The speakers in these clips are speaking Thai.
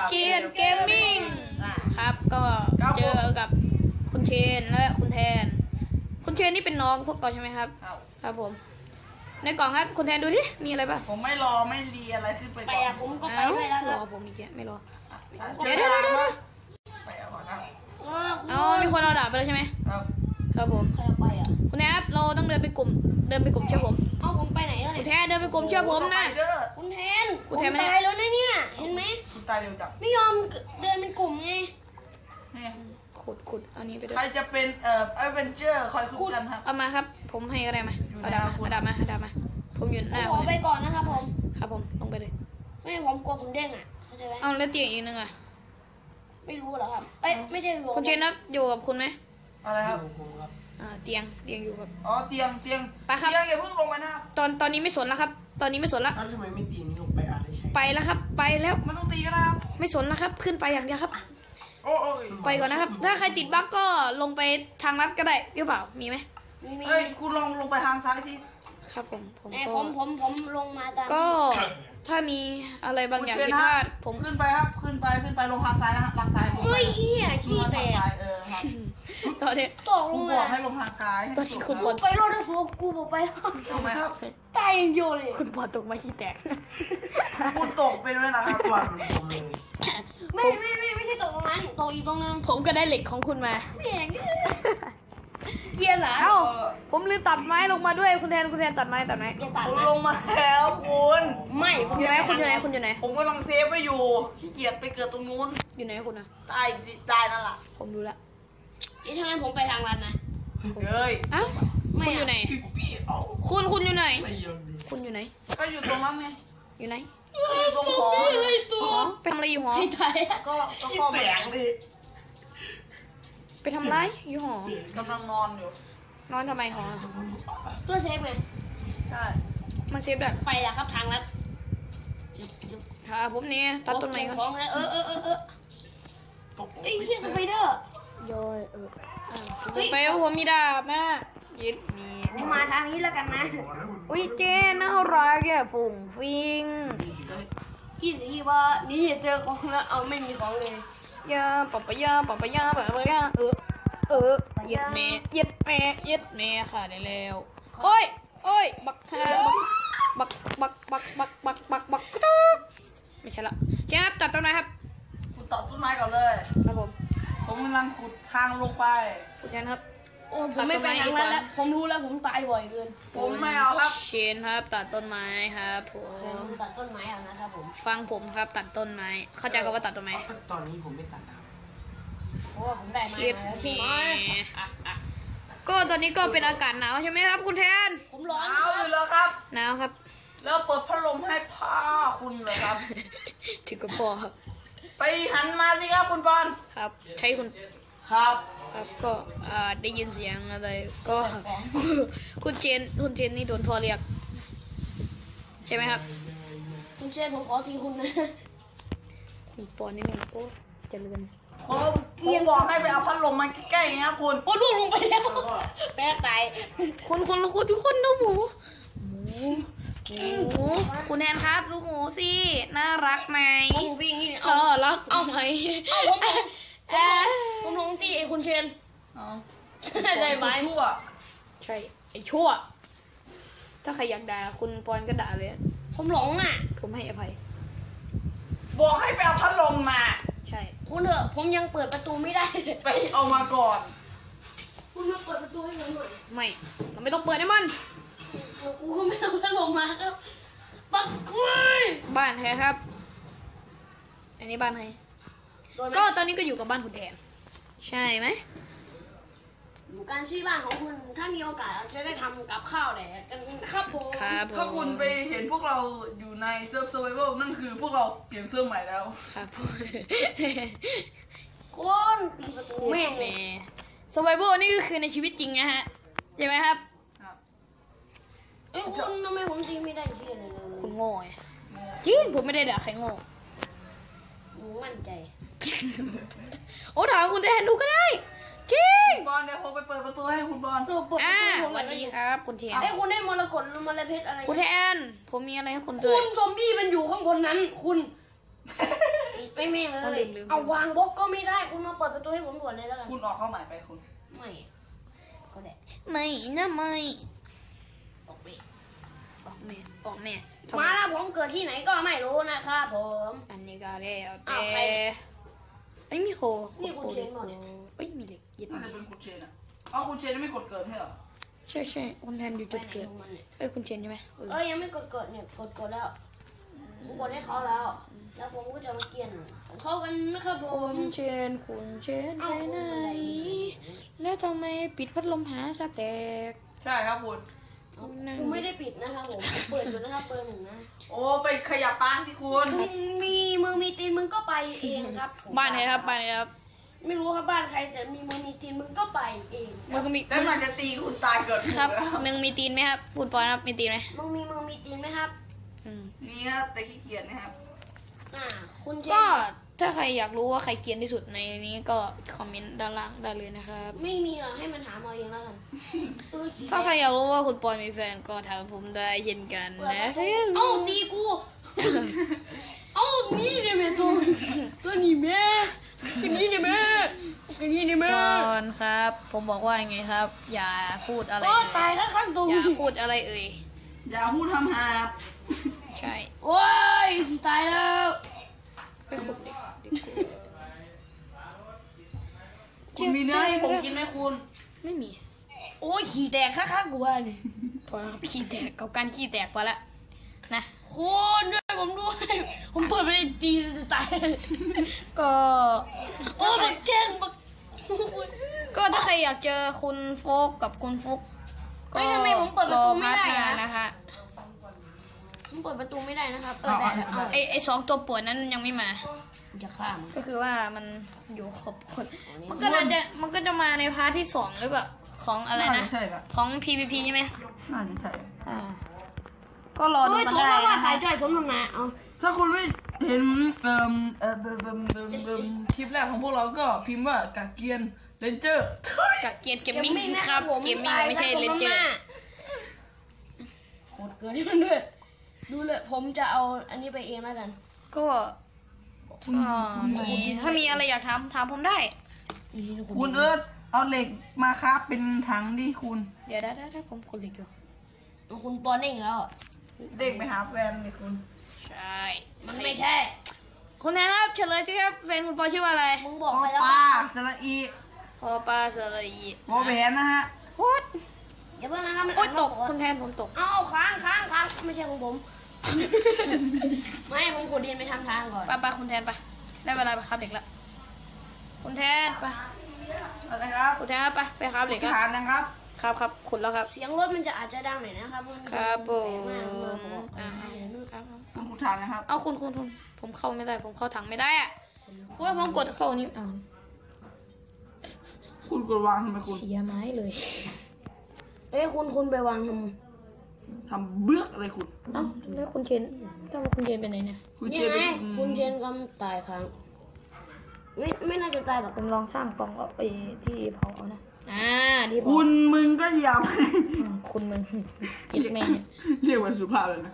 เกียนเกมมิ่งครับก็เจอกับคุณเชนและคุณแทนคุณเชนนี่เป็นน้องพวกก่อนใช่ไหมครับครับผมในกล่องครับคุณแทนดูดิมีอะไรบ้างผมไม่รอไม่รีอะไรขึ้นไปไปอะผมก็ไปด้วยแล้วครรัอบ ผมอีกแกไม่รอเดี๋ยวไปเอาก่อนนะเอามีคนเอาดาบไปแล้วใช่ไหมครับครับผมใครเอาไปอ่ะคุณแทนครับเราต้องเดินไปกลุ่มเชื่อผมเอาผมไปไหนแล้วคุณเนี่ยแทนเดินไปกลุ่มเชื่อผมนะคุณแทนคุณแทนผมตายแล้วนะเนี่ยเห็นไหมคุณตายเร็วจังไม่ยอมเดินเป็นกลุ่มไงนี่ขุดอันนี้ไปด้วยใครจะเป็นเอเวนเจอร์คอยคุยกันครับเอามาครับผมให้ก็ได้มาเอาดาบมาผมอยู่หน้าขอไปก่อนนะครับผมครับผมลงไปเลยไม่ผมกลัวผมเด้งอ่ะเข้าใจไหมเอาแล้วเตียงอีกนึงอ่ะไม่รู้เหรอครับเอ้ยไม่ใช่รู้คุณเชนครับอยู่กับคุณไหมอะไรครับเตียงอยู่กับอ๋อเตียงไปครับเตียงอย่าเพิ่งลงไปนะครับตอนนี้ไม่สนแล้วครับ ตอนนี้ไม่สนละอ้าวทำไมไม่ตีนี่ลงไปอะไรใช่ไปแล้วครับ ไปแล้วมันต้องตีนะครับไม่สนแล้วครับ ขึ้นไปอย่างเดียวครับโอ้ยไปก่อนนะครับ ถ้าใครติดบั๊กก็ลงไปทางลัดก็ได้หรือเปล่ามีไหมมีเฮ้ยคุณลงไปทางซ้ายสิครับผมแม่ก็ผมลงมาตามก็ถ้ามีอะไรบางอย่างผิดพลาดผมขึ้นไปครับขึ้นไปลงทางซ้ายนะฮะทางซ้ายเฮ้ยเฮียขี้แตกครับตอนนี้ตกลคุงณบมาอกให้ลงทางซ้ายตอนที่คุณบอลไปรถได้ฟูกูบอกไปทำไมครับตายอย่างเดียวเลยคุณบอลตกมาขี้แตกคุณตกไปด้วยนะครับตัวมันจมเลยไม่ใช่ตกตรงนั้นตกอีกตรงนึงผมก็ได้เหล็กของคุณมาแม่งเกียร์เหรอเอ้าผมลืมตัดไม้ลงมาด้วยคุณแทนตัดไม้อย่าตัดผมนะลงมาแล้วคุณไม่ผมอยู่ไหนคุณอยู่ไหนผมกำลังเซฟไว้อยู่ขี้เกียจไปเกิดตรงนู้นอยู่ไหนคุณนะตายนั่นแหละผมดูละทำไมผมไปทางรันนะเฮ้ยเอ้าคุณอยู่ไหนพี่เอาคุณอยู่ไหนไม่ยอมดูคุณอยู่ไหนก็อยู่ตรงนั้นไงอยู่ไหนก็อยู่ตรงหอหอไปทำอะไรอยู่หอไม่ตายอะก็ขี้เข้าแตไปกเลยไปทำอะไรอยู่หอกำลังนอนอยู่นอนทำไมหอเพื่อเซฟไงใช่มันเชฟดัดไปละครับทางรัดจุ๊บค่ะผมนี่ตัดต้นไม้ก่อนของแล้วตกไอ้เหี้ยสไปเดอร์ย่อยไปว่าผมมีดาบนะยึดมีมาทางนี้แล้วกันนะอุ้ยเจนน่ารักอ่ะฝุ่งฟิงพี่ว่านี่เจอของแล้วเอาไม่มีของเลยยาปะปะยาเย็ดแม่ค่ะได้แล้วโอ้ยบักฮาบักไม่ใช่ละเชฟตัดต้นไม้ครับคุณตัดต้นไม้ก่อนเลยครับผมผมกำลังขุดทางลงไปคุณเชนครับโอ้ผมไม่ไปทางนั้นแล้วผมรู้แล้วผมตายบ่อยเกินผมไม่เอาครับเชนครับตัดต้นไม้ครับผผม มตัดต้นไม้เอานะครับผมฟังผมครับตัดต้นไม้เข้าใจคำว่าตัดต้นไม้ตอนนี้ผมไม่ตัดแล้วเพราะว่าผมได้ไม้มาแล้วใช่ไหมอ่ะก็ตอนนี้ก็เป็นอากาศหนาวใช่ไหมครับคุณแทนผมร้อนเอาอยู่แล้วครับหนาวครับแล้วเปิดพัดลมให้ผ้าคุณเลยครับถึงกับพอครับไปหันมาสิครับคุณบอลครับ ใช้คุณครับครับก็ได้ยินเสียงอะไรก็ คุณเจนนี่โดนพ่อเรียกใช่ไหมครับคุณเชฟผมขอทีคุณนะคุณปอนนี่มันโอ้เจริญผมบอกให้ไปเอาพัดลมมาใกล้ๆนะครับคุณโอ้ล่วงลงไปแล้วแป๊ะตายคนทุกคนดูหมูคุณแทนครับดูหมูสิน่ารักไหมผมวิ่งนี่รักเอาไหมผมลงตีไอ้คุณเชนอ๋อได้ไหมชั่วใช่ไอ้ชั่ว ถ้าใครอยากด่าคุณปอนก็ด่าเลยผมหลงอ่ะผมให้อภัยบอกให้ไปเอาพัดลมมาใช่คุณเถอะผมยังเปิดประตูไม่ได้ไปเอามาก่อนคุณมาเปิดประตูให้ผมหน่อยไม่เราไม่ต้องเปิดให้มันกูก็ไม่ต้องถล่มมาครับปักกล้วยบ้านใครครับ อันนี้บ้านใครก็ตอนนี้ก็อยู่กับบ้านคุณแทนใช่ไหมการชี้บ้านของคุณถ้ามีโอกาสจะได้ทำกับข้าวแดกกันครับผมครับผมถ้าคุณไปเห็นพวกเราอยู่ในเซิร์ฟเซอร์ไวเวลนั่นคือพวกเราเปลี่ยนเสื้อใหม่แล้วครับผมคุณปิดประตูแม่งเลยสไวเวอร์นี่ก็คือในชีวิตจริงนะฮะใช่ไหมครับครับเอ้ยคุณทำไมผมตีไม่ได้เชี่ยเลยเลยคุณโง่ไงจริงผมไม่ได้ด่าใครโง่หนูมั่นใจโอ้ถามคุณแทนดูก็ได้จริงบอลเดี๋ยวผมไปเปิดประตูให้คุณบอลเราเปิดประตูผมสวัสดีครับ คุณแทนไอ้ยคุณได้มรกตหรือมรเพชรอะไรคุณแทนผมมีอะไรให้คุณด้คุวยณซอมบี้มันอยู่ข้างบนนั้น คุณปิดไปแม่งเลเอายลืมเอาวางบล็อกก็ไม่ได้คุณมาเปิดประตูให้ผมด่วนเลยแล้วกันคุณออกเข้าใหม่ไปคุณไม่ก็ได้ไม่นะไม่ออกไปออกแม่ออกแม่ทำไมาแล้วผมเกิดที่ไหนก็ไม่รู้นะครับผมอันนี้ก็ได้เอาอ้าแต่วใครเอ้ยมีโคนี่คุณเชนบอกเนี่ยเอ้ยมีเหล็กยึดน่าจะเป็นคุณเชนอ่ะอ๋อคุณเชนไม่กดเกินใช่เหรอใช่ใช่คุณแทนอยู่ไปจุดไหนเกิดของมันเนี่ยเอ้ยคุณเชนใช่ไหมเออเอ้ยยังไม่กดเนี่ยกดแล้วผมกดให้เขาแล้ว แล้วผมก็จะมาเกลียนของเขากันนะครับผมคุณเชนไปไหนแล้วทำไมปิดพัดลมหาสแต็กใช่ครับคุณผมไม่ได้ปิดนะครับผมเปิดอยู่นะครับเปิดหนึ่งนะโอ้ไปขยับปางสิคุณมึงมีมือมีตีนมึงก็ไปเองครับผมบ้านไหนครับบ้านไหนครับไม่รู้ครับบ้านใครแต่มีมือมีตีนมึงก็ไปเองมันก็มีแล้วมันจะตีคุณตายเกิดครับแล้วมึงมีตีนไหมครับคุณปอนครับมีตีนไหมมึงมีมือมีตีนไหมครับอืมนี่ครับแต่ขี้เกียจนะครับคุณเชก็นถ้าใครอยากรู้ว่าใครเกรียนที่สุดในนี้ก็คอมเมนต์ด้านล่างได้เลยนะครับไม่มีหรอกให้มันถามเอาเองแล้วกันถ้าใครอยากรู้ว่าคุณปอนมีแฟนก็ถามผมได้เช่นกันเปิดนะประตูเอ้าตีกู เอ้านี่เนี่ยแม่ตัวนี้แม่ตัวนี้เนี่ยแม่ตัวนี้เนี่ยแม่ปอนครับ ผมบอกว่ายังไงครับ อย่าพูดอะไรโอ้เอ่ตายยแล้วข้างตรงอย่าพูดอะไรเอ่ยอย่าพูดทำหาบใช่โอ้ยตายแล้วไปขุดเหล็กดีกว่าคุณมีเนื้อให้ผมกินไหมคุณไม่มีโอ้ยขี่แตกข้างๆกูว่านี่พอแล้วครับขี้แตกกับการขี้แตกพอละนะคุณด้วยผมด้วย ผมเปิดไปตีจะตายก็โอ้บักเจนบักก็ถ้าใครอยากเจอคุณโฟกกับคุณฟุกก็เฮ้ยทำไมผมเปิดประตูไม่ได้รอพาร์ทหอะน้านะคะผมเปิดประตูไม่ได้นะครับได้แล้วเอาไอสองตัวป่วนนั้นยังไม่มาจะฆ่ามันก็คือว่ามันอยู่ครบคนมันก็จะมาในพาร์ทที่สองหรือเปล่าของอะไรนะใช่ครับของ PVP ใช่ไหมน่าจะใช่ก็รอดูโอ้ยกันโทรได้มาว่านะถ่าคะยจ่อยสมน้ำหน้าเอาถ้าคุณไม่เห็นคลิปแรกของพวกเราก็พิมพ์ว่ากาเกียนเรนเจอร์กับเกมเกมมิ่งครับเกมมิ่งไม่ใช่เลนเจอร์โคตรเกินที่มันด้วยดูเลยผมจะเอาอันนี้ไปเองแล้วกันก็ถ้ามีอะไรอยากถามผมได้คุณเอิร์ธเอาเหล็กมาครับเป็นถังดิคุณเดี๋ยวได้ผมกดเหล็กอยู่คุณปอนเองแล้วเด็กไปหาแฟนเลยคุณใช่มันไม่ใช่คุณแทนครับเฉลยสิครับแฟนคุณปอชื่อว่าอะไรมึงบปอกอไปแล้วปลาสระอีพอปลาสระอีวอแหวนนะฮะโคตรอย่าเพิ่งนะครับมันโอ๊ยตกคุคุณ ณแทนผมตกเอาค้างไม่ใช่ของผม ไม่ผมขุดดินไปทำทางก่อนไปคุณแทนไปได้เวลาไปครับเหล็กแล้วคุณแทนไปอะไรครับคุณแทนครับไปครับเหล็กครับฐานนะครับครับขุดแล้วครับเสียงรถมันจะอาจจะดังหน่อยนะครับครับผมแสงมากเลยครับคุณขุดฐานนะครับเอาคุณผมเข้าไม่ได้ผมเข้าถังไม่ได้อะเพราะว่าผมกดเข้านี่อ้าวคุณกดวางทำไมคุณเสียไม้เลยเอ้ยคุณไปวางททำเบื้อกอะไรคุณเอ้าแล้วคุณเชนคุณเชนไปไหนเนี่ยคุณำเจนี่ไงเป็นคุณเชนก็ตายค้างไม่น่าจะตายหรอกผมลองสร้างกล่องเอาไปที่เผาเอานะที่เผาคุณมึงก็อย่าไปคุณมึงกิดแม่เรียกว่าสุภาพเลยนะ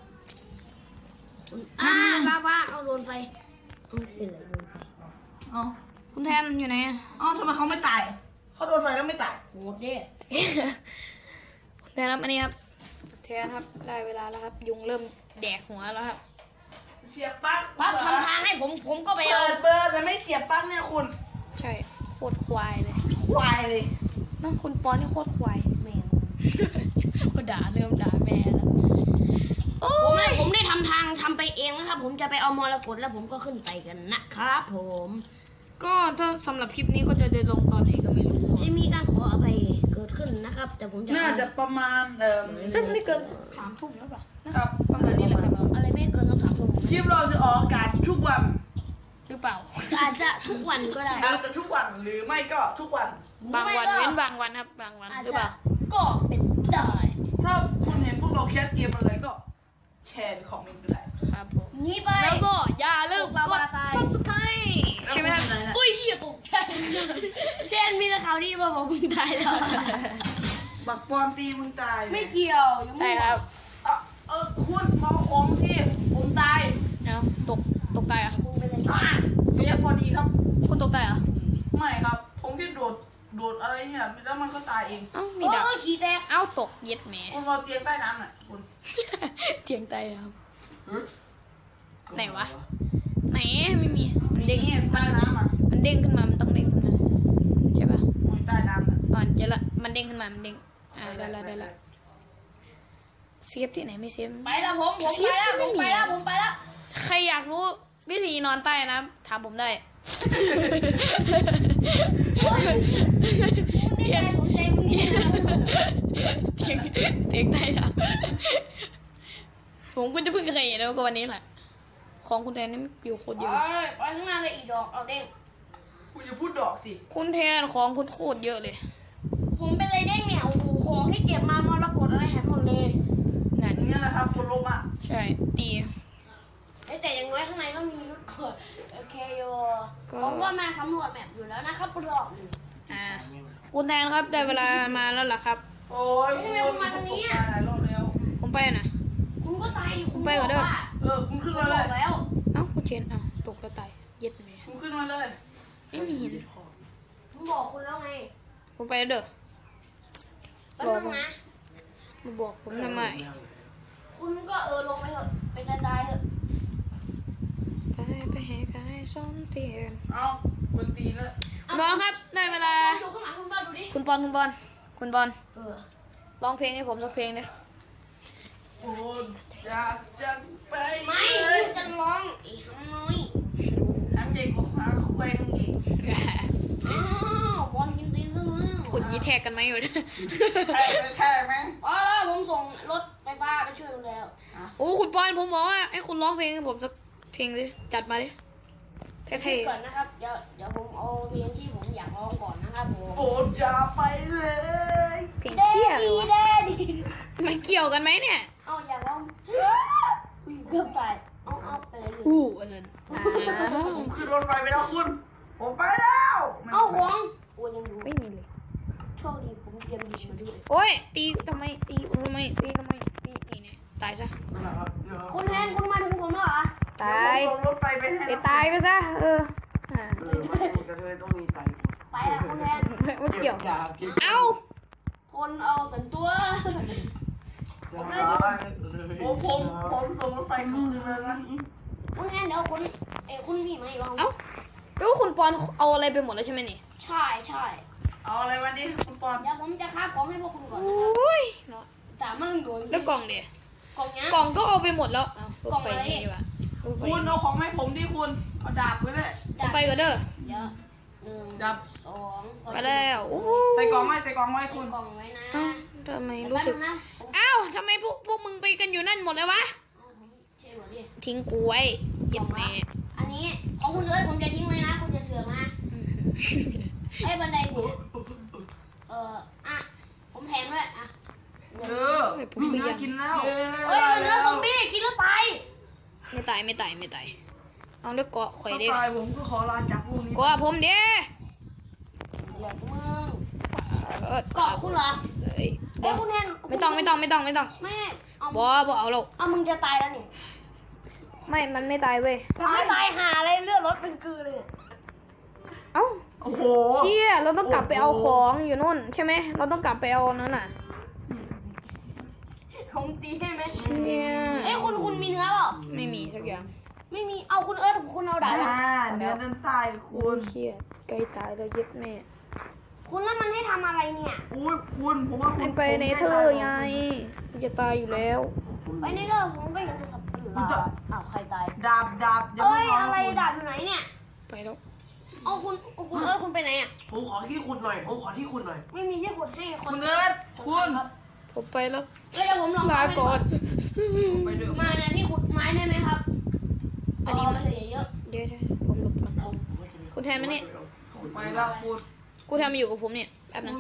บ้าเอาโดนไฟเอาเป็นไรโดนไฟเอ้าคุณแทนอยู่ไหนอะเอ้าทำไมเขาไม่ตายเขาโดนไฟแล้วไม่ตายโหดเด้คุณแทนครับอันนี้ครับแทนครับได้เวลาแล้วครับ ยุงเริ่มแดกหัวแล้วครับเสียบปลั๊กปั๊บทำทางให้ผมก็ไปเอาเปิดแต่ไม่เสียบปลั๊กเนี่ยคุณใช่โคตรควายเลยควายเลยนั่นคุณปอนนี่โคตรควายแม่งก็เริ่มด่าแม่แล้วโอ้ผมได้ทำไปเองนะครับ ผมจะไปเอามรกตแล้วผมก็ขึ้นไปกันนะครับผมก็ถ้าสำหรับคลิปนี้ก็จะได้ลงตอนไหนก็ไม่รู้จะมีการขออภัยเกิดขึ้นนะครับ แต่ผมจะน่าจะประมาณซึ่งไม่เกิน3 ทุ่มแล้วป่ะนะครับ ประมาณนี้แหละครับอะไรไม่เกินต้อง3 ทุ่มคลิปเราจะออกอากาศทุกวันหรือเปล่าอาจจะทุกวันก็ได้อาจจะทุกวันหรือไม่ก็ทุกวันบางวันเว้นบางวันครับบางวันอาจหรือจะเปล่าก็เป็นได้ถ้าคุณเห็นพวกเราแคสเกมอะไรก็แชร์ในคอมเมนต์ก็ได้ครับผมนี่ไปแล้วก็อย่าลืมพวกกเราดตาย subscribe ใช่ไหมครับอุ้ยเหี้ยตกใจเช่นมีข่าวดีมาบอกมึงตายแล้วบักปอนตีมึงตายไม่เกี่ยวยังได้ไม่ครับคุณเมาของที่ผมตายเอาตกกตายเหรอ่ะคุณเป็นอะไรเรียกพอดีครับคุณตกตายเหรอ่ะไม่ครับ ผมแค่โดดอะไรเนี่ยแล้วมันก็ตายเองเอ้ามีดาบขี้แตกเอ้าตกเย็ดแหมคุณเอาเตียงใต้น้ำหน่อยคุณเถียงตายครับหึไหนวะ ไหนไม่มีมันเด้งนี่ใต้น้ำอ่ะมันเด้งขึ้นมามันต้องเด้งขึ้นมาใช่ปะมันใต้น้ำอ่ะอ่อนเจอละมันเด้งขึ้นมามันเด้งได้ละเซฟที่ไหนไม่เซฟไปแล้วผมไปแล้วใครอยากรู้วิธีนอนใต้น้ำถามผมได้นี่ใจผมใจมึงนี่เถียงใต้น้ำผมก็จะเพิ่งเคยเห็นแล้วก็วันนี้แหละของคุณแทนนี่อยู่โคตรเยอะไปข้างหน้าเลยอีดอกเอาเด้งคุณอย่าพูดดอกสิคุณแทนของคุณโคตรเยอะเลยผมเป็นไรเด้งเนี่ยโอ้โหของที่เก็บมามรกตอะไรหายหมดเลยนั่นอย่างนี้แหละครับคนลบอ่ะใช่ตีแต่อย่างน้อยข้างในก็มีรถกดโอเคโยผมก็มาสำรวจแมปอยู่แล้วนะครับรอบหนึ่งคุณแทนครับได้เวลามาแล้วล่ะครับโอ้ยคุณมาตรงนี้หลายรอบแล้วผมไปนะคุณก็ตายดิคุณไปก่อนเด้อคุณขึ้นบมาเลอย กแล้วเอ้าคุณเชนเอ้าตกแล้วตายเย็ดไหมคุณขึ้นมาเลยไม่มีหินผมบอกคุณแล้วไงผมไปแล้วเด้อแป๊บนึงนะมาบอกผมทำไมคุณก็ลงไปเถอะไปตายเถอะไปแหกไอ้ส้มเตียนเอาคนตีแล้วน้องครับได้เวลาดูข้างหลังคุณบ้านดูดิคุณบอลร้องเพลงให้ผมสักเพลงนะโอ้อยากจะไปไม่เลยคุณจะร้องอีกคำน้อยทำใหญ่กว่าขาคุยมึงอีกอ้าวบอลกินตีนซะแล้วคุณยีแท็กกันไหมอยู่ใช่ไหมอ๋อแล้วผมส่งรถไฟฟ้าไปช่วยคุณแล้วโอ้คุณบอลผมบอกว่าให้คุณร้องเพลงให้ผมสักเพลงดิจัดมาดิเท่ก่อนนะครับเดี๋ยวผมเอาเพลงที่ผมอยากร้องก่อนนะครับผมโอ้จะไปเลยๆเพลงเชี่ยเลยวะแด้ดีมันเกี่ยวกันไหมเนี่ยเอาอยากร้องอุ้ยเกือบตายเอาไปเลยอันนั้นผมขึ้นรถไฟไปแล้วคุณ ผมไปแล้วเอาของโอ้ยังดูไม่มีเลยโชคดีผมเตรียมดีมาด้วยโอ้ยตีทำไมตีนี่เนี่ยตายซะคุณแทนคุณมาถึงผมแล้วเหรอตายลงรถไฟไปให้ไปตายไปซะอ่ามันกระเทยต้องมีไตไปแล้วคุณแทนไม่เกี่ยว เอ้าคนเอาสันตัวผมลงรถไฟคืนแล้วนะคุณแทนเดี๋ยวคุณพี่มาอีกรอบเอ้าแล้วคุณปอนเอาอะไรไปหมดแล้วใช่ไหมนี่ใช่ใช่เอาอะไรมาดิคุณปอนเดี๋ยวผมจะคาบของให้พวกคุณก่อนโอนะครับ้ยเนาะจ่ามึงโดนแล้วกล่องเดี๋ยกล่องนี้กล่องก็เอาไปหมดแล้วเกล่องอะไรปนี่ดีกว่าคุณเอาของให้ผมที่คุณ เอาดาบก็ได้เอาไปก่อนเด้อเดี๋ยวหนึ่งดาบสองไปแล้วโอ้ใส่กล่องไว้ใส่กล่องไว้ใส่คุณกล่องไว้นะเอ้าทำไมรู้สึกแป๊บนึงนะผมเอ้าทำไมพวกมึงไปกันอยู่นั่นหมดเลยวะเอาผมเช็ดหมดดิทิ้งกูไว้เย็ดแม่อันนี้ของคุณเอิร์ธผมจะทิ้งไว้นะคุณจะเสือกนะไอ้ยบันไดเนี่ยอ่ะผมแถมด้วยอ่ะผมอยากกินแล้วเฮ้ยมันเนื้อซอมบี้กินแล้วตายไม่ตายเอาเลือกเกาะข่อยดิตายผมก็ขอลาจากพวกนี้เกาะผมดิเหลือมึงเออเกาะคุณเหรอเอ้ยเอ้ยคุณแทนไม่ต้องไม่เอาบ่เอาหรอกเอามึงจะตายแล้วนี่ไม่มันไม่ตายเว้ยไม่ตายหาอะไรเลือดรถเป็นกือเลยเอ้าโอ้โหเชี่ยเราต้องกลับไปเอาของอยู่นู่นใช่ไหมเราต้องกลับไปเอานั่นน่ะผมตีให้ไหมเชี่ยเอ้ยคุณมีเนื้อเปล่าไม่มีสักอย่างไม่มีเอาคุณเอิร์ธคุณเอาดาบเนื้อด้านใต้คุณเชี่ยใกล้ตายแล้วเย็ดแม่คุณแล้วมันให้ทำอะไรเนี่ยอุ้ยคุณผมว่าคุมัณนไปในเธอไงมันจะตายอยู่แล้วไปในเรื่องผมก็เห็นโทรศัพท์อ้าวใครตายดาบเอ้ยอะไรดาบอยู่ไหนเนี่ยไปแล้วเอาคุณเอิร์ธคุณไปไหนอ่ะผมขอที่คุณหน่อยไม่มีที่ขุดให้คนคุณเอิร์ธคุณครับผมไปแล้วเดี๋ยวผมลองลาก่อนไปด้วยมาเนี่ยที่ขุดไม้ได้ไหมครับ อันนี้มันเหลือเยอะเดี๋ยวผมหลบก่อนคุณแทนมานี่ไปแล้วคุณกูแทนมาอยู่กับผมเนี่ยแป๊บนึง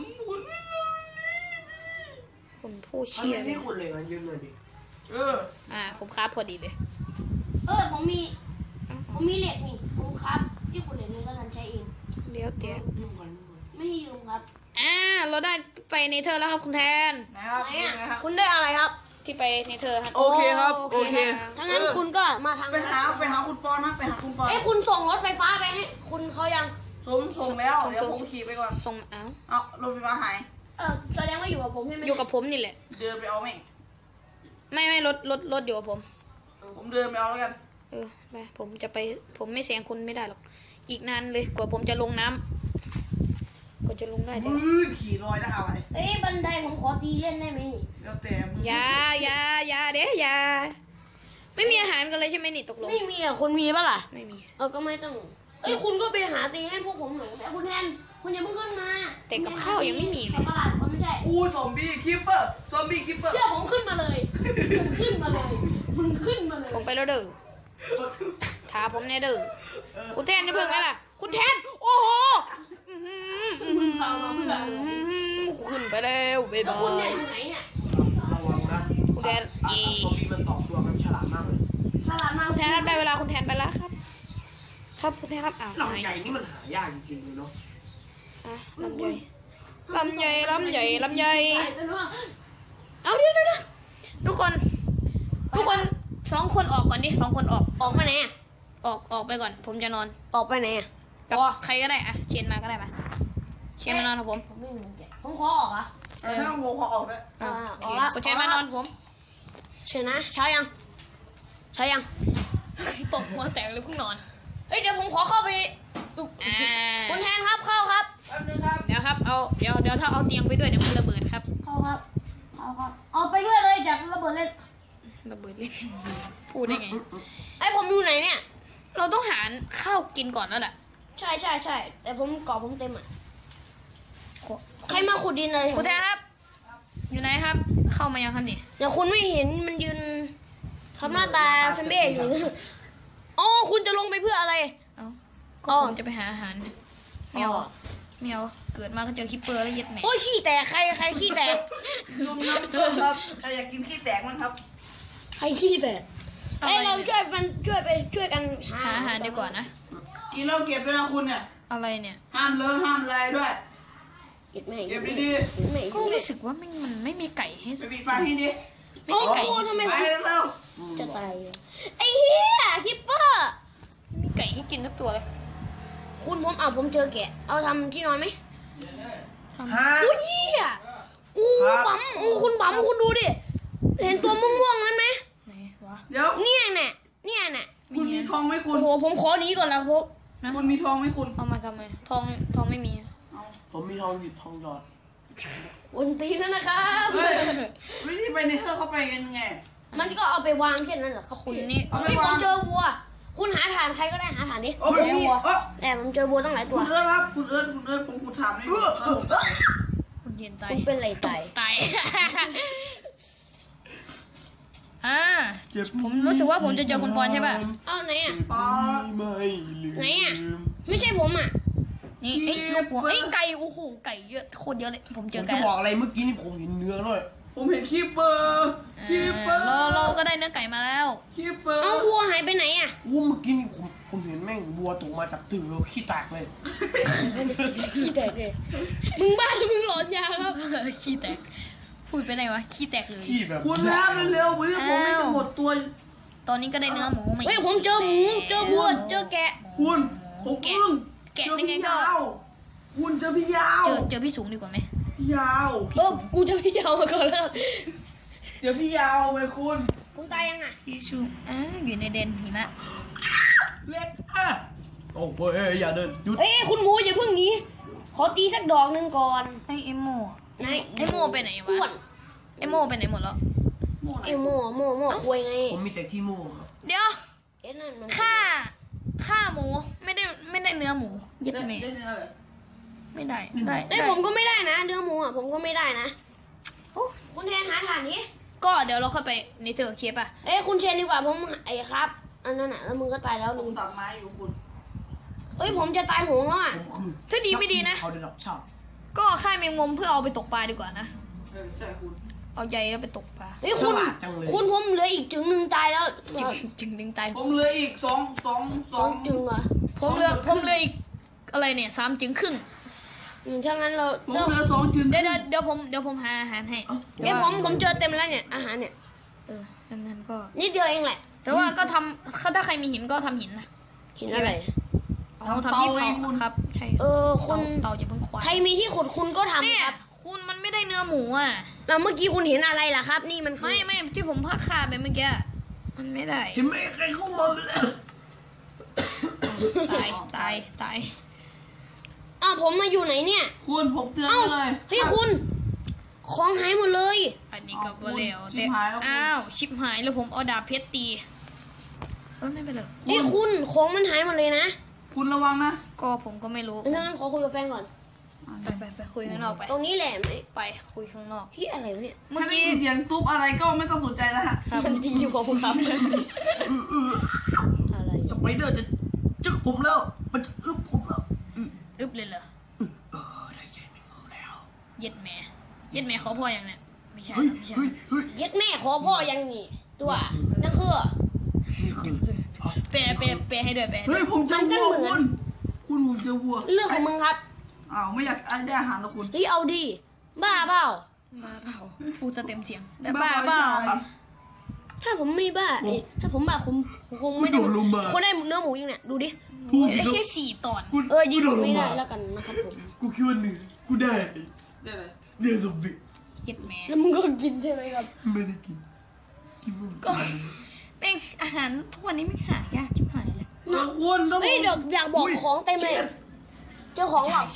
คุณผู้มันเชี่ยไม่เลที่ยคุณเลยมันยืมหน่อยดิผมคราบพอดีเลยผมมีเหล็กนี่ผมครับ ที่ขุดเหล็กเลยก็ทันใช้เองเดี๋ยวยืมก่อนไม่ให้ยืมครับเราได้ไปในเธอแล้วครับคุณแทนนะครับไหนนี่อ่ะนะครับคุณได้อะไรครับที่ไปในเธอครับโอเคครับโอเคนะถ้างั้นคุณก็มาทางไปหาคุณคุณปอนครับไปหาคุณปอนไอ้ยคุณส่งรถไฟฟ้าไปให้คุณเขายังส่งแล้วเดี๋ยวผมขี่ไปก่อนส่งเอ้ารถไฟฟ้าหายแสดงว่าอยู่กับผมใช่ไหมอยู่กับผมนี่แหละเดินไปเอาแม่งไม่รถอยู่กับผมผมเดินไปเอาแล้วกันไปผมจะไปผมไม่แซงคุณไม่ได้หรอกอีกนานเลยกว่าผมจะลงน้ำกว่าจะลงได้เดี๋ยวขี่ลอยได้อะไรเอ้ยบันไดผมขอตีเล่นได้ไหมนี่แล้วแต่มึงอย่าเด้อย่าไม่มีอาหารกันเลยใช่ไหมนี่ตกลงไม่มีอ่ะคุณมีปะล่ะไม่มีก็ไม่ต้องเอ้ยคุณก็ไปหาตีให้พวกผมหน่อยแต่คุณแทนคุณอย่าเพิ่งขึ้นมาแต่กับข้าวยังไม่มีเลยตลาดเขาไม่ใช่อู้ซอมบี้คิปเปอร์ซอมบี้คิปเปอร์เชื่อผมขึ้นมาเลยผมขึ้นมาเลยมึงขึ้นมาเลยผมไปแล้วเด้อถาผมแน่เด้อคุณแทนจะเพิ่งไงล่ะคุณแทนโอ้โหขึ้นไปแล้วบ๊ายแล้วบาคุณเนี่ยยอยู่ไหนเนี่ยระวังนะคุณแทนเย่ซอมบี้มัน2 ตัวมันฉลาดมากเลยตลาดมาคุณแทนครับได้เวลาคุณแทนไปแล้วครับ ครับคุณแทนครับอ้าวลำใหญ่นี่มันหายากจริงๆเลยเนาะลำใหญ่ลำใหญ่ลำใหญ่ลำใหญ่ใส่ตัวนู้นเอาเดี๋ยวทุกคน2 คนออกก่อนดิ2 คนออกออกมาไหนอ่ะออกไปก่อน ผมจะนอนออกไปไหนอ่ะกับใครก็ได้อะเชียนมาก็ได้มาเชียนมานอนกับผมผมไม่มีแกะผมขอออกอ่ะถ้าโมเขาออกได้อ่ะออกละคุณเชียนมานอนผมเชิญนะเช้ายังเช้ายังตกหัวแตกเลยเพิ่งนอนเฮ้ยเดี๋ยวผมขอเข้าไปตุกคุณแทนครับเข้าครับแป๊บนึงครับเดี๋ยวครับเอาเดี๋ยวถ้าเอาเตียงไปด้วยเดี๋ยวมันระเบิดครับเข้าครับเข้าครับเอาไปด้วยเลยจากระเบิดเล่นระเบิดเลยพูดได้ไงไอ้ผมอยู่ไหนเนี่ยเราต้องหาข้าวกินก่อนแล้วแหละใช่แต่ผมเกาะผมเต็มอ่ะใครมาขุดดินอะไรคุณแทนครับ อยู่ไหนครับ เข้ามายังครับนี่เดี๋ยวคุณไม่เห็นมันยืนทำหน้าตาเซมเบ้อยู่อ๋อคุณจะลงไปเพื่ออะไรเอาก็ผมจะไปหาอาหารเมียวเมียวเกิดมาก็เจอคิปเปอร์แล้วเย็ดแหม่โอ้ยขี้แตกใครขี้แตกลุงน้ำส้มครับใครอยากกินขี้แตกมั้งครับใครขี้แตกไอ้เราช่วยกันหาหาอาหารดีกว่านะกินแล้วเก็บด้วยนะคุณเนี่ยอะไรเนี่ยห้ามเลอะห้ามอะไรด้วยเก็บไม่เก็บดีไม่ก็รู้สึกว่ามันไม่มีไก่ให้ๆไปปิดไฟให้ดิโอ้โหทำไมไปเร็วจะตายไอ้เหี้ยคิปเปอร์ไม่มีไก่ให้กินทุกตัวเลยคุณผมเจอแกะเอาทำที่นอนไหมฮะโอ้ยเหี้ยอู้ปั๊มคุณปั๊มคุณดูดิเห็นตัวม่วงๆนั้นไหมไหนวะเดี๋ยวเนี่ยน่ะคุณมีทองไหมคุโอ้ณโหผมขอหนีก่อนแล้วพวกคุณมีทองไหมคุณเอามาทำไมทองไม่มีผมมีทองหยิบทองหยอดวันตีแล้วนะครับเฮ้ยวิธีไปในเธอเข้าไปกันไงมันก็เอาไปวางแค่นั้นเหรอครับคุณนี่เอาไปเฮ้ยผวางมเจอวัว คุณหาฐานใครก็ได้หาฐานดิโอ้ยมีโอ้แต่ผมเจอวัวตั้งหลายตัวคุณเอิร์ธครับคุณเอิร์ธผมถามได้ไหมคุณเย็นตายคุณเป็นไรตายตาย ผมรู้สึกว่าผมจะเจอคุณปอนใช่ป่ะเอ้าไหนอ่ะปอไม่ลืมไหนอ่ะ ไม่ใช่ผมอ่ะนี่ไอ้ลูกหัวไอ้ไก่โอ้โหไก่เยอะโคตรเยอะเลยผมเจผอมไก่จะบอกอะไรเมื่อกี้นี่ผมเห็นเนื้อด้วยผมเห็นคีเปอร์คีเปอร์เราก็ได้เนื้อไก่มาแล้วคีเปอร์เอ้าวัวหายไปไหนอ่ะโอ้เมื่อกี้นี่ผมเห็นแม่งวัวตกมาจากตึกแล้วขี้แตกเลยขี้แตกเลยมึงบ้าหรือมึงหลอนยาครับขี้แตกพูดไปไหนวะขี้แตกเลยขี้แบบคุณแล้วเร็วๆวันนี้ผมไม่จะหมดตัวตอนนี้ก็ได้เนื้อหมูมาเฮ้ยผมเจอหมูเจอวัวเจอแกะคุณผมอึ้งแกะยังไงก็คุณเจอพี่ยาวเจอพี่สูงดีกว่าไหมพี่ยาวกูจะพี่ยาวมาก่อนแล้วเจอพี่ยาวไปคุณคุณตายยังอ่ะพี่สูงอยู่ในเดนหิมะเล็กอ่ะโอ้เฮ้ยอย่าเดินหยุดเอ้ยคุณหมูอย่าเพิ่งหนีขอตีสักดอกหนึ่งก่อนไอเอโมไหนไอโมไปไหนอ้ววะนไอโมไปไหนหมดแล้วไอ้โม่คุยไงผมมีแต่ขี้มูกครับเดี๋ยวเอ๊ะนั่นมันฆ่าหมูไม่ได้เนื้อหมูยึดได้แม่เนื้ออะไรไม่ได้เอ้ยผมก็ไม่ได้นะเนื้อหมูอ่ะผมก็ไม่ได้นะโอ้คุณแทนหาฐานนี้ก็เดี๋ยวเราค่อยไปในเธอเคปอ่ะเอ้ยคุณเชนดีกว่าผมไอ้ครับ อันนั้นน่ะแล้วมึงก็ตายแล้วผลืมมตัดไม้อยู่คุณเอ้ยผมจะตายโหงแล้วอ่ะผมคือถ้าดีไม่ดีนะเขาได้รับชอบก็ฆ่าแมงมุมเพื่อเอาไปตกปลาดีกว่านะใช่คุณเอาใยแล้วไปตกปลาเฮ้ยคุณผมเหลืออีกจึงหนึ่งตายแล้วจึงดึงตายผมเหลืออีกสองสองจึงเหรอผมเหลืออีกอะไรเนี่ย3 จึงครึ่งถ้างั้นเราผมเหลือ2 จึงเดี๋ยวผมหาอาหารให้เอ้ยผมเจอเต็มแล้วเนี่ยอาหารเนี่ยดังนั้นก็นิดเดียวเองแหละแต่ว่าก็ทำถ้าใครมีหินก็ทำหินนะเห็นอะไรเอาทำที่เผาครับ ใช่คุณเตาอย่าเพิ่งควายใครมีที่ขุดคุณก็ทำเนี่ยครับคุณมันไม่ได้เนื้อหมูอ่ะแล้วเมื่อกี้คุณเห็นอะไรล่ะครับ นี่มันคือไม่ที่ผมพักขาไปเมื่อกี้มันไม่ได้เห็นไหมใครเข้ามาเลยตายอ้าวผมมาอยู่ไหนเนี่ยคุณผมเตือนเอ้าเลยเฮ้ยคุณ ของหายหมดเลยอันนี้ก็บ่แล้วชิบหายแล้วคุณอ้าวชิบหายแล้วผมเอาดาบเพชรตีไม่เป็นไรหรอกเฮ้ยคุณของมันหายหมดเลยนะคุณระวังนะก็ผมก็ไม่รู้งั้นขอคุยกับแฟนก่อนไปคุยข้างนอกไปตรงนี้แหละไหมไปคุยข้างนอกที่อะไรวะเนี่ยเมื่อถ้าได้กี้ยินเสียงตุ๊บอะไรก็ไม่ต้องสนใจแล้วฮะมันดีผมครับ อะไรสไปเดอร์จะจึกผมแล้ว มันจะอึบผมแล้วอึบเลยเหรอได้ใหญ่ไม่งงแล้วเย็ดแม่ขอพ่ออย่างเนี้ยไม่ใช่เฮ้ยไม่ใช่เฮ้ยเฮ้ยเย็ดแม่ขอพ่อยังนี่ตัวนั่นคือนี่คือแปลให้ด้วยแปลให้ด้เฮ้วย ยผมเจอมันก็วัวเหมืคุอนณผมเจอวัวเรื่องของมึงครับอ้าวไม่อยากได้อาหารแล้วคุณเฮ้ยเอาดิบ้าเปล่าบ้าเปล่าพูดจะเต็มเสียงแต่บ้าเปล่าถ้าผมไม่บ้าถ้าผมบ้าผมคงไม่ได้คนได้เนื้อหมูยังเนี่ยดูดิพูดสิได้ครับแค่4 ตอนดีกว่าไม่ได้แล้วกันนะครับผมกูคิดว่าหนึ่งกูได้ได้เลยเดี๋ยวสมบิเย็ดแม่แล้วมึงก็กินใช่ไหมครับไม่ได้กินกินก็เป็นอาหารทุกวันนี้ไม่หายากชิบหายเลยเจอคุณต้องเฮ้ยเดี๋ยวอยากบอกของเต็มเลยเจอของหรอใช่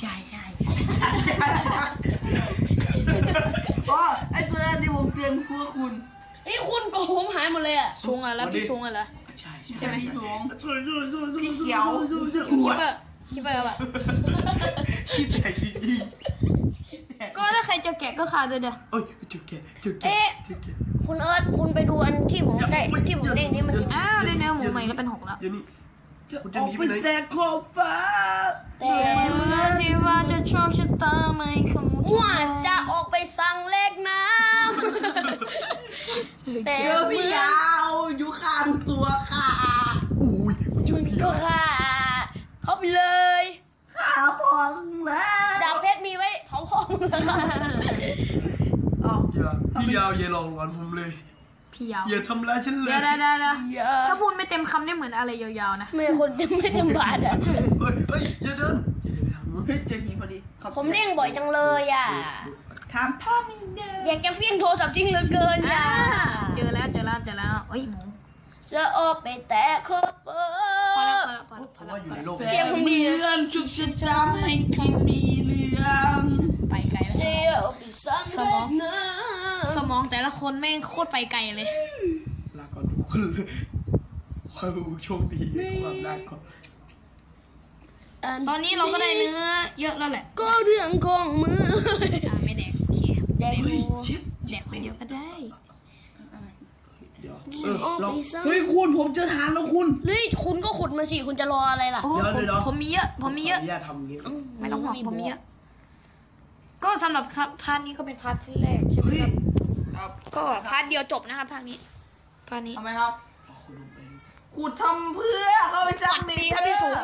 อ๋อไอตัวนั้นที่ผมเตือนคือคุณเฮ้ยคุณโกงหายหมดเลยอ่ะซุงอ่ะแล้วพี่ซุงอ่ะเหรอใช่ใช่ไหมพี่สวงพี่เขียวคิดว่าแบบคิดแต่จริงก็ถ้าใครจะแกะก็คาด้วยเด้อๆเอ้ยเจุกแกเจุกแกเอ๊ะเจุกแกคุณเอิร์ธคุณไปดูอันที่ผมได้ที่ผมเด้งนี่มันอ้าวได้เนื้อหมูใหม่แล้วเป็น6แล้วเดี๋ยวนี้จะคุณอจะอกหนีไปไปไหนแจกขอบฟ้าแต่เมื่อที่ว่าจะโชคชะตาไม่คงว่าจะออกไปสั่งเลขน้ำแต่เจอพี่ยาวอยู่ข้างตัวค่ะอุ้ยกูเจอพี่ก็ค่ะเข้าไปเลยขาพองแล้วดาบเพชรมีไว้เผาของแล้วค่ะอ๋อพี่ยาวอย่าลองงอนผมเลยพี่ยาวอย่าทำร้ายฉันเลยเดี๋ยวถ้าพูดไม่เต็มคำนี่เหมือนอะไรยาวๆนะไม่คนจะไม่จำบาดอ่ะเฮ้ยอย่าเดินอย่าเดินไปทางนู้นเฮ้ยเจอหินพอดีขอบผมเด้งบ่อยจังเลยอ่ะถามพ่อมึงเด้ออยากจะเฟี้ยงโทรศัพท์จริงเหลือเกินอ่าอ่ะเจอแล้วเอ้ยหมูจะออกไปแตะคบเบอพอแล้วร์พอเพราะว่าอยู่ในโลกเสียงผมดีนะเลื่อนชุกชะตาให้พี่มีเรื่องไปไกลเจีแล้วยวไปสั่งเลขน้สมองแต่ละคนแม่งโคตรไปไกลเลยลาก่อนทุกคนเลยขอให้ผู้โชคดีความได้ก่อนำตอนนี้เราก็ได้เนื้อเยอะแล้วแหละก็เรื่องของมือไม่แดกโอเคแดกเฮ้ยดูชิดแดกคนเดียวก็ได้เดี๋ยวออกเราไปสั่งเฮ้ยคุณผมเจอฐานแล้วคุณเฮ้ยคุณก็ขุดมาสิคุณจะรออะไรล่ะโอ้เดี๋ยวผมมีเยอะขออนุญาตทำอย่างนี้ไม่ต้องห่วงผมมีเยอะ ก็สำหรับพาร์ทนี้ก็เป็นพาร์ทที่แรกใช่ไหมเฮ้ยครับ ก็พาร์ทเดียวจบนะครับพาร์ทนี้ พาร์ทนี้ทำไมครับเอาคนลงไปขุดทำเพื่อเขาไปจับดีครับพี่สูง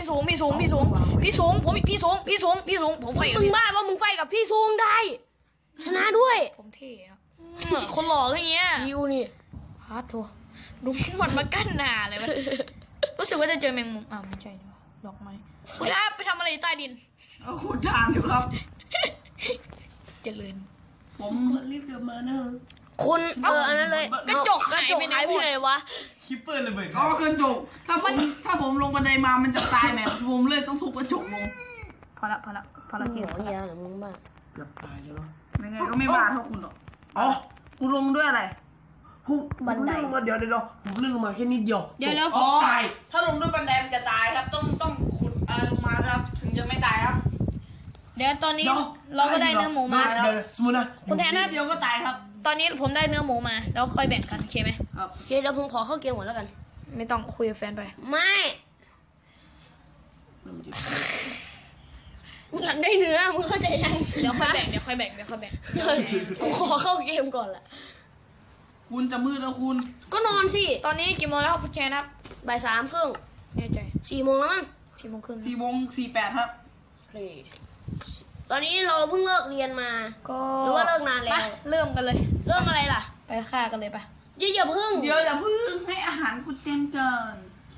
ผมไฟกับมึงพี่บ้าว่ามึงไฟกับพี่ซูงได้ ชนะด้วยผมเท่เนาะคนหล่อก็อย่างเงี้ยยิวนี่พาร์ทโถดูมันมากั้นหน้าเลยวะรู้สึกว่าจะเจอแมงมุมอ้าวไม่ใช่ดีกว่าดอกไม้คุณครับไปทำอะไรอยู่ใต้ดินเอาขุดฐานอยู่ครับเจริญผมคนรีบกลับมานะคุณอันนั้นเลยกระจกหายไปไหนหมดไหนวะคิปเปอร์เลยเบิดอ๋อกระจกถ้าผมลงบันไดมามันจะตายไหมผมเลยต้องทุบกระจกลงพอละหัวเนี่ยหรือมึงบ้าเกือบตายแล้วเนาะยังไงก็ไม่บาดเท่าคุณหรอกอ๋อกูลงด้วยอะไรผมเลื่อนลงมาเดี๋ยวผมเลื่อนลงมาแค่นิดเดียวเดี๋ยวแล้วอ๋อถ้าลงด้วยบันไดมันจะตายครับ ต้องขุดลงมาครับ ถึงจะไม่ตายครับเดี๋ยวตอนนี้เราก็ได้เนื้อหมูมาเดี๋ยวสมมตินะคุณแทนครับเดียวก็ตายครับตอนนี้ผมได้เนื้อหมูมาแล้วค่อยแบ่งกันโอเคไหมครับโอเคเดี๋ยวผมขอเข้าเกมก่อนแล้วกันไม่ต้องคุยกับแฟนไปไม่มึงอยากได้เนื้อมึงเข้าใจยังเดี๋ยวค่อยแบ่งผมขอเข้าเกมก่อนละคุณจะมืดแล้วคุณก็นอนสิตอนนี้กี่โมงแล้วครับคุณแชนครับบ่าย3:30 แน่ใจ 4 โมงแล้วมั้ง 4:30 4:48ครับตอนนี้เราเพิ่งเลิกเรียนมาก็หรือว่าเลิกนานแล้วไปเริ่มกันเลยเรื่องอะไรล่ะไปฆ่ากันเลยปะโอย่าพึ่งเดี๋ยวอย่าพึ่งให้อาหารกูเต็มก่อน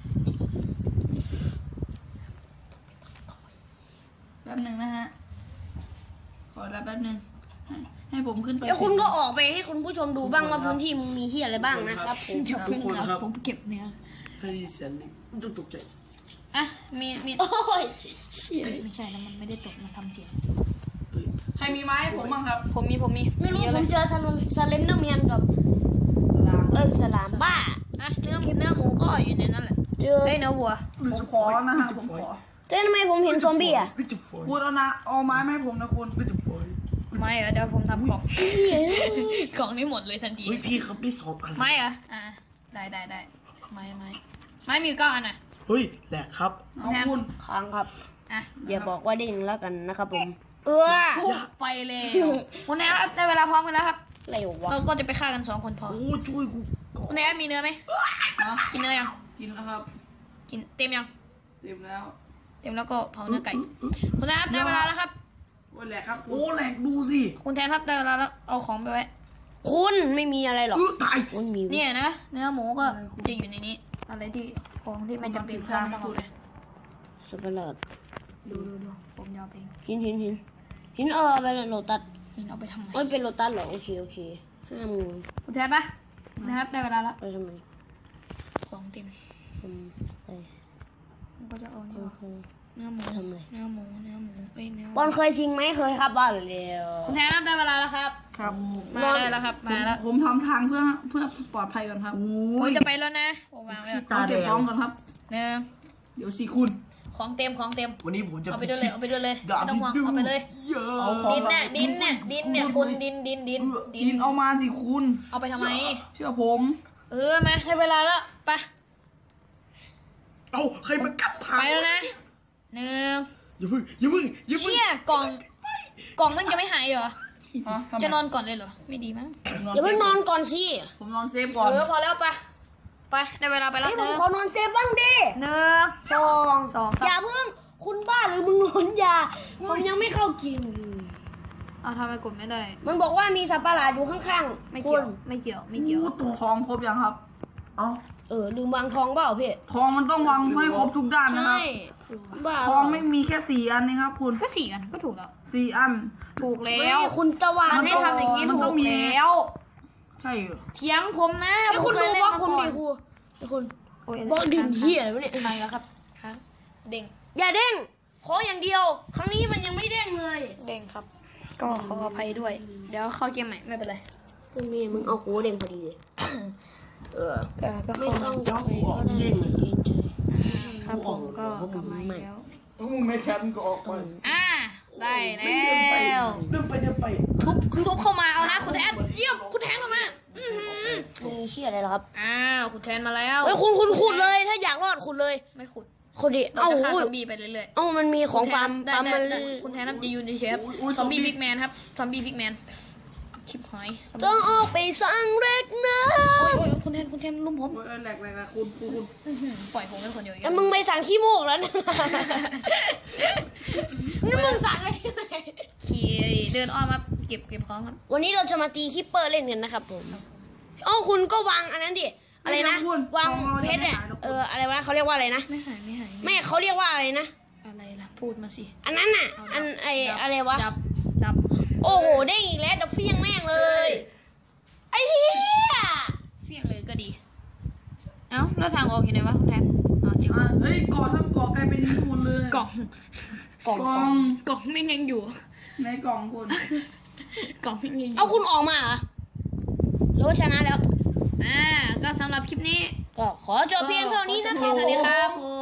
แป๊บหนึ่งนะฮะขอรับแป๊บหนึ่งให้ผมขึ้นไปเดี๋ยวคุณก็ออกไปให้คุณผู้ชมดูบ้างว่าพื้นที่มีเหี้ยอะไรบ้างนะครับผมอย่าเพิ่งครับผมเก็บเนื้อถ้าได้ยินเสียงนี่ต้องตกใจอ่ะมีโอ้ยเชี่ยไม่ใช่แล้วมันไม่ได้ตกมันทำเสียงใครมีไม้ให้ผมบ้างครับผมมีไม่รู้เยอะผเลมยเจอสเลนเดอร์แมนกับสลามบ้าอ่ะเนื้อหมูก็อยู่ในนั้นแหละเจอเอ้ยเนื้อวัวผมขอนะฮะผมขอแต่ทำไมผมเห็นซอมบี้อ่ะไม่จุดฝอยคุณเอาไม้มาให้ผมนะคุณไม่จุดฝอยไม่เหรอเดี๋ยวผมทำกล่องเหี้ยกล่องนี้หมดเลยทันทีเฮ้ยพี่ครับได้2 อันไม่เหรออ่ะได้ไม่มี9 อันอ่ะเฮ้ยแหลกครับเอาคุณค้างครับอ่ะอย่าบอกว่าเด้งแล้วกันนะครับผมไปเลยคุณแอนครับได้เวลาพร้อมกันแล้วครับเร็ววะเราก็จะไปฆ่ากัน2 คนพอโอ้ช่วยกูก่อนคุณแอนมีเนื้อไหมนะกินเนื้อยังกินแล้วครับกินเต็มยังเต็มแล้วเต็มแล้วก็เผาเนื้อไก่คุณแอนครับได้เวลาแล้วครับโอ้ยแหละครับโอ้แหลกดูสิคุณแทนครับได้เวลาแล้วเอาของไปไว้คุณไม่มีอะไรหรอกตายมันมีเนี่ยนะเนื้อหมูก็จะอยู่ในนี้อะไรที่ของที่ไม่จำเป็นก็ต้องเอาไปสเปรดดูผมยาวเองหินไปเลยโลตัสนี่เอาไปทำไมเอ้ยเป็นโลตัสเหรอโอเค50,000 คุณแทนปะนะครับได้เวลาแล้วไปทำไมของเต็มผมไปผมก็จะเอาโอเคเนื้อหมูทำไมเนื้อหมูเอ้ยเนื้อบอลเคยชิงไหมเคยครับบอลเร็วคุณแทนครับได้เวลาแล้วครับครับมาได้แล้วครับมาแล้วผมทำทางเพื่อปลอดภัยก่อนครับโอ้ผมยจะไปแล้วนะผมวางไว้ก่อนตาเอาแดเก็บงของก่อนครับหนึ่งเดี๋ยวสิคุณของเต็มวันนี้ผมจะเอาไปด้วยเลยเอาไปด้วยเลยดาบไม่ต้องห่วงเอาไปเลยเยอะเอาของดินเนี่ยคุณดินดินเอามาสิคุณเอาไปทำไมเชื่อผมมาได้เวลาแล้วไปเอาใครมากัดทางไปแล้วนะหนึ่งอย่าเพิ่งเชี่ยกล่องมันจะไม่หายเหรอฮะทำไมจะนอนก่อนเลยเหรอไม่ดีมั้งอย่าเพิ่งนอนก่อนสิผมนอนเซฟก่อนพอแล้วไปได้เวลาไปแล้วผมขอนอนเซฟบ้างดิหนึ่งสองอย่าเพิ่งคุณบ้าหรือมึงหลอนยาผมยังไม่เข้าเกมเลยเอาทำไมกดไม่ได้มันบอกว่ามีสัตว์ประหลาดอยู่ข้างๆไม่คุเกี่ยณวไม่เกี่ยวอู้ตัวทองครบยังครับเอ้าลืมวางทองเปล่าพี่ทองมันต้องวางให้ครบทุกด้านนะครับใช่บ้าทองไม่มีแค่4 อันนะครับคุณก็4 อันก็ถูกแล้ว 4 อันถูกแล้แล้ว วคุณจะวางมันให้ทำอย่างนี้มันถูต้องกมีแล้วใช่เหรอเถียงผมนะไอ้คุณผมดูเยเล่นว่ามาคุณก่อดินครูไอ้คุณโอ้ยบอกดินเหี้ยอะไรวะเนี่ยมาแล้วครับค้างเด้งอย่าเด้งขออย่างเดียว ครั้งนี้มันยังไม่เด้งเลยเด้งครับ ก็ขออภัยด้วย เดี๋ยวเข้าเกมใหม่ไม่เป็นไรมึงเอาโค้ดเด้งพอดีเลยก็ไม่เข้าต้องไปก็ได้เกรงใจครับผมก็กลับมาอีกแล้วมึงไม่แคมก็ออกไปได้แล้วเดินไปทุบเข้ามาเอานะคุณแทนเยี่ยมคุณแทนเข้ามาอื้อหือมึงเชี่ยอะไรเหรอครับคุณแทนมาแล้วเฮ้ยคุณขุดเลย ถ้าอยากรอดขุดเลยไม่ขุดขุดดิเราเอ้าจะฆ่าอุ้ยซอมบี้ไปเรื่อยเอ้ามันมีๆของฟาร์มได้ฟาร์มมันได้คุณแทนครับจะยืนเฉยๆครับซอมบี้พิกแมนครับซอมบี้พิกแมนชิบหายต้องออกไปสร้างเล็กนะโอ้ยคุณแทนลุมผมโอ้ยแหลกคุณปล่อยผมเป็นคนเดียวอีกแล้วมึงไปสั่งขี้มูกแล้วนะนี่มึงสั่งอะไรที่ไหนขี่เดินอ้อมมาเก็บของครับวันนี้เราจะมาตีคิปเปอร์เล่นกันนะครับผมเอ้าคุณก็วางอันนั้นดิ อะไรนะ วางเพชรเนี่ยอะไรวะเขาเรียกว่าอะไรนะไม่หายไม่เขาเรียกว่าอะไรนะอะไรล่ะพูดมาสิอันนั้นน่ะ อันอะไรวะดับโอ้โหได้อีกแล้วดับเฟี้ยงแม่งเลย ไอ้เหี้ยเฟี้ยงเลยก็ดีเอ้าแล้วทางออกอยู่ไหนวะคุณแทนเดี๋ยวเฮ้ยก่อทั้งก่อกลายเป็นดินหมดเลยกล่องกล่องไม่ยังอยู่ในกล่องคุณกล่องไม่ยังอยู่เอาคุณออกมาเหรอหรือว่าชนะแล้วก็สำหรับคลิปนี้ก็ขอจบเพียงเท่านี้นะครับสวัสดีครับผม